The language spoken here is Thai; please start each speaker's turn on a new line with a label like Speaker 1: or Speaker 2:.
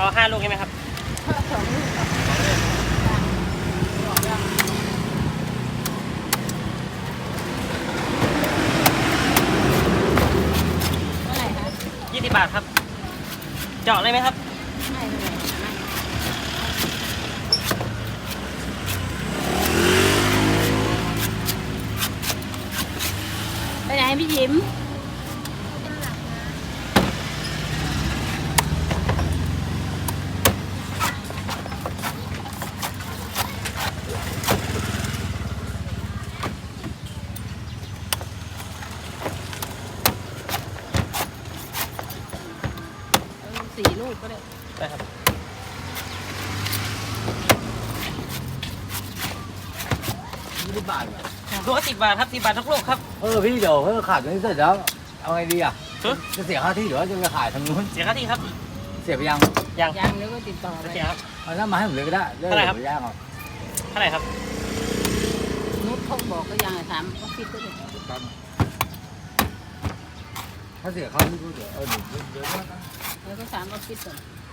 Speaker 1: เอา5 ลูกใช่ไหมครับ
Speaker 2: 2 ลูกครับเท่าไหร่คะ
Speaker 1: 20 บาทครับเจาะเลยไหมครับ
Speaker 2: ไม่เลยไปไหนพี่ยิ้ม4 ลูกก็ได้
Speaker 1: ได้ครับ
Speaker 3: 20 บาทเหรอ
Speaker 1: ลูกละ10 บาทครับ10 บาททุกลูกครับ
Speaker 3: พี่เดี๋ยวขายตรงนี้เสร็จแล้วเอาไงดีอ่ะ
Speaker 1: ฮะ
Speaker 3: จะเสียค่าที่หรือว่าจะไปขายทางนู้น
Speaker 1: เสียค่าที่ครับ
Speaker 3: เสียไปยัง
Speaker 1: ยัง
Speaker 2: แล้วก็ติดต่อไป
Speaker 1: โอเคครับ
Speaker 3: เอาหน้ามาให้ผมเลยก็ได้เรื่อง
Speaker 1: เท่าไหร่ครับ
Speaker 3: เดี๋ยวแย่งเอา
Speaker 1: เท่าไหร่ครับ
Speaker 2: นุชเขาบอกก็ยังถามก็คิดก็ได้
Speaker 3: ถ้าเสียค่าที่ก็เดี๋ยวเดี๋ยว
Speaker 2: แล้วก็ถามก็คิดก่อน